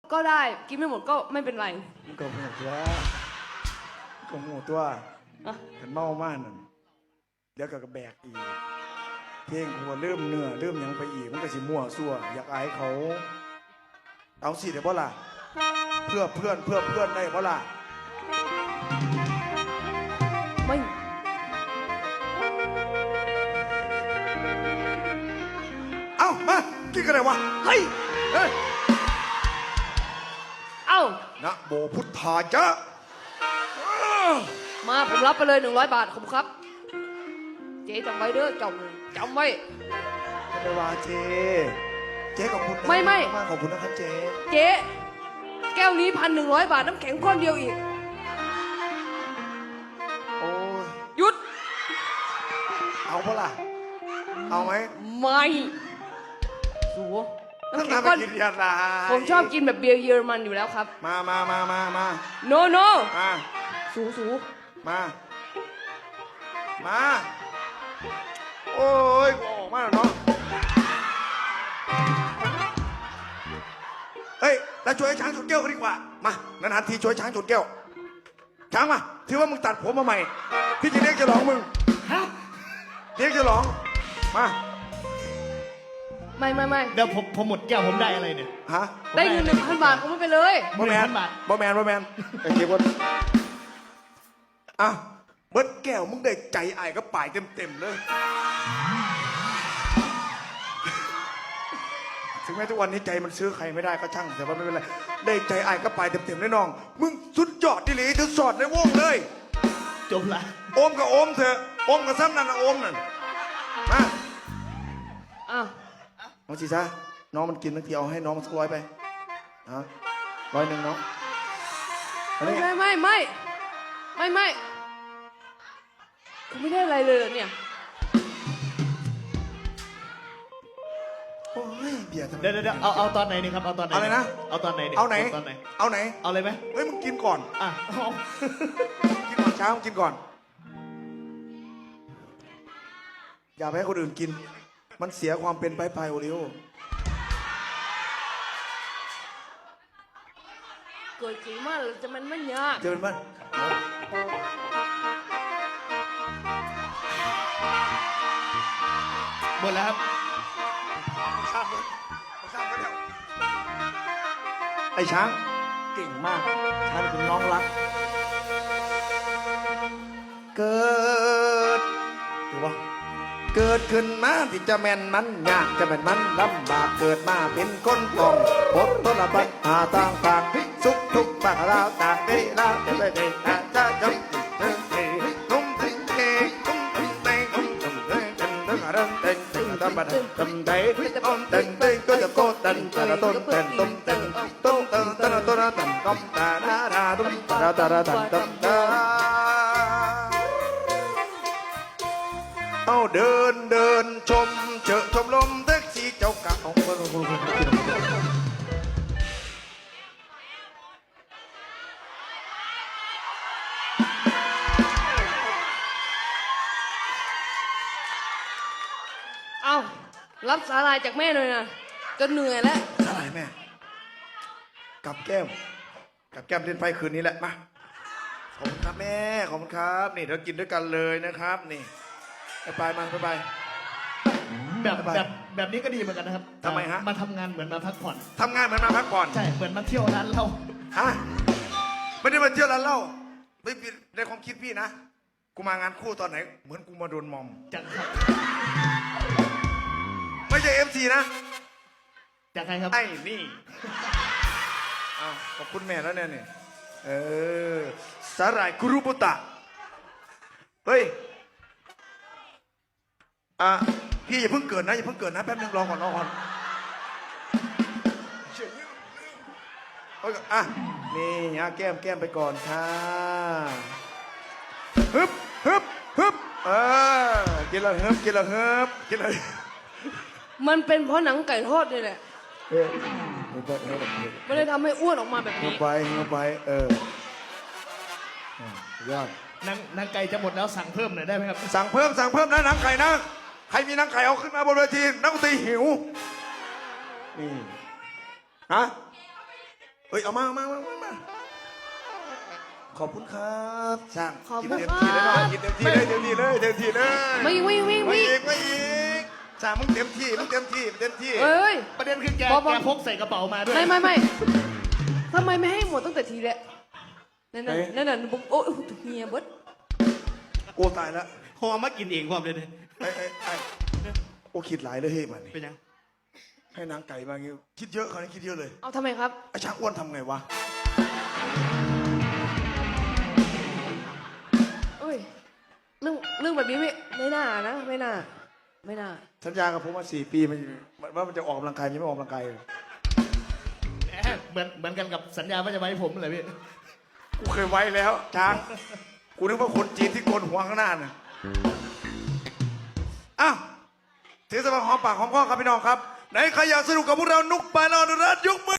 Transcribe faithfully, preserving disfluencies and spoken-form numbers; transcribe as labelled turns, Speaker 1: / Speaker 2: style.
Speaker 1: ก็ได้กินไม่หมดก็ไม่เป็นไร
Speaker 2: มันก็หูตัวก็หูตัวขันเมามากนั่นเดี๋ยวก็กระแบกอีกเพลงหัวเริ่มเนื้อเริ่มยังไปอีกมันก็สิมั่วซั่วอยากอายเขาเอาสิเดี๋ยวบ่ล่ะเพื่อเพื่อนเพื่อเพื่อนได้บ่ล่ะ
Speaker 1: ไม่
Speaker 2: เอ้ามากินกันเลยวะเฮ้ยเฮ้ย
Speaker 1: เอ้า
Speaker 2: นะโมพุทธาจะ
Speaker 1: มาผมรับไปเลยหนึ่งร้อยบาทขอบคุณครับเจ๊จำไว้เด้อจำจำไว้
Speaker 2: ไม่ได้ว่าเจ๊เจ๊ขอบคุณนะ
Speaker 1: ไม่ไม่
Speaker 2: มากขอบคุณนะครับเจ๊
Speaker 1: เจ๊แก้วนี้พันหนึ่งร้อยบาทน้ำแข็งก้อนเดียวอีก
Speaker 2: โอ้ย
Speaker 1: หยุด
Speaker 2: เอาเปล่าเอาไหม
Speaker 1: ไม่สูน้ำแข็งก้อนผมชอบกินแบบเบียร์เยอรมันอยู่แล้วครับ
Speaker 2: มามามามามา
Speaker 1: no no
Speaker 2: มา
Speaker 1: สูสู
Speaker 2: มามาโอ้ยออกมาแล้วเนาะเฮ้ยแล้วช่วยช้างชนแก้วกันดีกว่ามานานาทีช่วยช้างชนแก้วช้างมาถือว่ามึงตัดผมมาใหม่พี่จะเรียกจะร้องมึงเรียกจะร้องมา
Speaker 1: ไม่ไม่ไม่
Speaker 3: เดี๋ยวผมผมหมดแก้วผมได้อะไรเนี่ย
Speaker 2: ฮะ
Speaker 1: ได้เงินหนึ่งพันบาทผมไม่ไปเลย
Speaker 2: บ่แมนบ่แมนบ่แมนไอ้เจี๊ยบอ่ะเบิร์ดแก้วมึงได้ใจไอ้ก็ป่ายเต็มเต็มเลยถึงแม้ทุกวันนี้ใจมันซื้อใครไม่ได้ก็ช่างแต่ว่าไม่เป็นไรได้ใจไอ้ก็ป่ายเต็มเต็มเลยน้องมึงสุดยอดดิหลีถึงสอดในวงเลย
Speaker 3: จบละ
Speaker 2: โอมกับโอมเถอะโอมกับซ้ำนั่นนะโอมนั่นมา
Speaker 1: อ่ะ
Speaker 2: น้องชีซ่าน้องมันกินทั้งทีเอาให้น้องมันสักร้อยไปฮะร้อยหนึ่งน้อง
Speaker 1: ไม่ไม่ไม่ไม่ไม่ไม่กูไม่ได้อะไรเลยเนี่ย
Speaker 2: โอ้ยเบียร์ทำไม
Speaker 3: เดี๋ยวเดี๋ยวเอาเอาตอนไหนนี่ครับเอาตอนไหน
Speaker 2: อะไรนะ
Speaker 3: เอาตอนไหน
Speaker 2: เอาไหน
Speaker 3: ตอนไหน
Speaker 2: เอาไหน
Speaker 3: เอาเลยไหม
Speaker 2: เฮ้ยมึงกินก่อน
Speaker 3: อ่ะ
Speaker 2: กินก่อนเช้ามึงกินก่อนอย่าไปให้คนอื่นกินมันเสียความเป็นไปไปโอริโอ
Speaker 1: เกิดจริงมากจะมันไม่ยาก
Speaker 2: เจอมัน
Speaker 3: หมดแล้วครับ
Speaker 2: ข้ามเลยข้ามไปแล้วไอ้ช้างเก่งมากช้างเป็นน้องรักเกิดหรือว่าเกิดขึ้นมาที่จะแม่นมันยากจะแม่นมันลำบากเกิดมาเป็นคนกองบททรปัญหาต่างต่างสุขทุกข์บ้างราวต่างได้ราวจะได้ได้จะจะจบตุ้มติ้งเก่งตุ้มติ้งเต่งตุ้มติ้งเต่งตุ้มติ้งเต่งเต่งเต่งตุ้มติ้งตุ้มเต่งตุ้มเต่งเต่งก็จะโกตันแต่ละต้นเต่งตุ้มเต่งตุ้มเต่งแต่ละต้นแต่งตุ้มตาดาดาตุ้มตาดาดาตุ้มตาเอาเดินเดินชมเจอชมลมแท็กซี่เจ้าเก่า
Speaker 1: เอารับสาลายจากแม่หน่อยนะจนเหนื่อยแล้ว
Speaker 2: สาลายแม่กับแก้มกับแก้มเล่นไฟคืนนี้แหละมาขอบคุณครับแม่ขอบคุณครับนี่เรากินด้วยกันเลยนะครับนี่ไปมาไปไป
Speaker 3: แบบแบบแบบนี้ก็ดีเหมือนกันนะครับ
Speaker 2: ทำไมฮะ
Speaker 3: มาทำงานเหมือนมาพักผ่อน
Speaker 2: ทำงานเหมือนมาพักผ่อน
Speaker 3: ใช่เหมือนมาเที่ยวร้านเหล้า
Speaker 2: ฮะไม่ได้มาเที่ยวร้านเหล้าไม่ในความคิดพี่นะกูมางานคู่ตอนไหนเหมือนกูมาโดนมอม
Speaker 3: จากครับ
Speaker 2: ไม่ใช่เอฟซีนะ
Speaker 3: จากใครครับ
Speaker 2: ไอ้นี่อ้าวขอบคุณแม่แล้วเนี่ยเออสาหร่ายคุรุบุตะเฮ้ยอ่ะพี่อย่าเพิ่งเกิดนะอย่าเพิ่งเกิดนะแป๊บนึงรอก่อนรอก่อนอ่ะนี่อ่ะแก้มแก้มไปก่อนค่ะฮึบฮึบฮึบเออกินละฮึบกินละฮึบกินละ
Speaker 1: มันเป็นเพราะหนังไก่ทอดนี่แหละไม่ได้ทำให้อ้วนออกมาแบบนี้
Speaker 2: ไปไปเออยอด
Speaker 3: นังนังไก่จะหมดแล้วสั่งเพิ่มหน่อยได้ไหมครับ
Speaker 2: สั่งเพิ่มสั่งเพิ่มนะหนังไก่นะใครมีหนังไก่เอาขึ้นมาบนเวทีนักดนตรีหิวนี่ฮะเอ้ยเอามาเอามาเอามาเอามาขอบคุณครับช่าง
Speaker 1: ขอบ
Speaker 2: กิน
Speaker 1: คุณ
Speaker 2: เต็ม
Speaker 1: ค
Speaker 2: ที่เลย
Speaker 1: รั
Speaker 2: เนาะ
Speaker 1: บ
Speaker 2: กินเต็มที่เลยเต็มที่เลยเต็มที่เลย
Speaker 1: ไม่วิ่งวิ่ง
Speaker 2: ไม่
Speaker 1: วิ่ง
Speaker 2: อีกไม่อีกช่างมึงเต็มที่มึงเต็มที่เต็มที่
Speaker 1: เอ้ย
Speaker 3: ประเด็นคือแก
Speaker 1: บอกบอก
Speaker 3: แกพกใส่กระเป๋ามาด้วย
Speaker 1: ไม่ไม่ไม่ทำไมไม่ให้หมดตั้งแต่ทีแรกนั่นน่ะนั่นน่ะบุ๊กโอ้ยเฮียเบิด
Speaker 2: โอ้ตายแล้ว
Speaker 4: พอมากินเองความเลยเนี่ย
Speaker 2: ไอ้ไอ้ไอ้โอ้คิดหลายเลยเฮ้ยมันนี่
Speaker 4: เป็นยัง
Speaker 2: ให้นางไก่มางี้คิดเยอะเขานี่คิดเยอะเลย
Speaker 1: เอาทำไมครับ
Speaker 2: ไอ้ช้างอ้วนทำไงวะ
Speaker 1: เอ้ยเรื่องเรื่องแบบนี้ไม่ไม่น่านะไม่น่าไม่น่า
Speaker 2: สัญญากับผมมาสี่ปีมันว่ามันจะออกกำลังกายยังไม่ออกกำลังกายเลย
Speaker 3: แหมเหมือนเหมือนกันกับสัญญาว่าจะไว้ผมเลยพี่
Speaker 2: กูเคยไว้แล้วช้างกูนึกว่าคนจีนที่โกนหัวข้างหน้าน่ะอ้าวถือสบายหอมปากหอมคอครับพี่น้องครับไหนใครอยากสนุกกับพวกเรานุกปานอนุรัตน์ยกมือ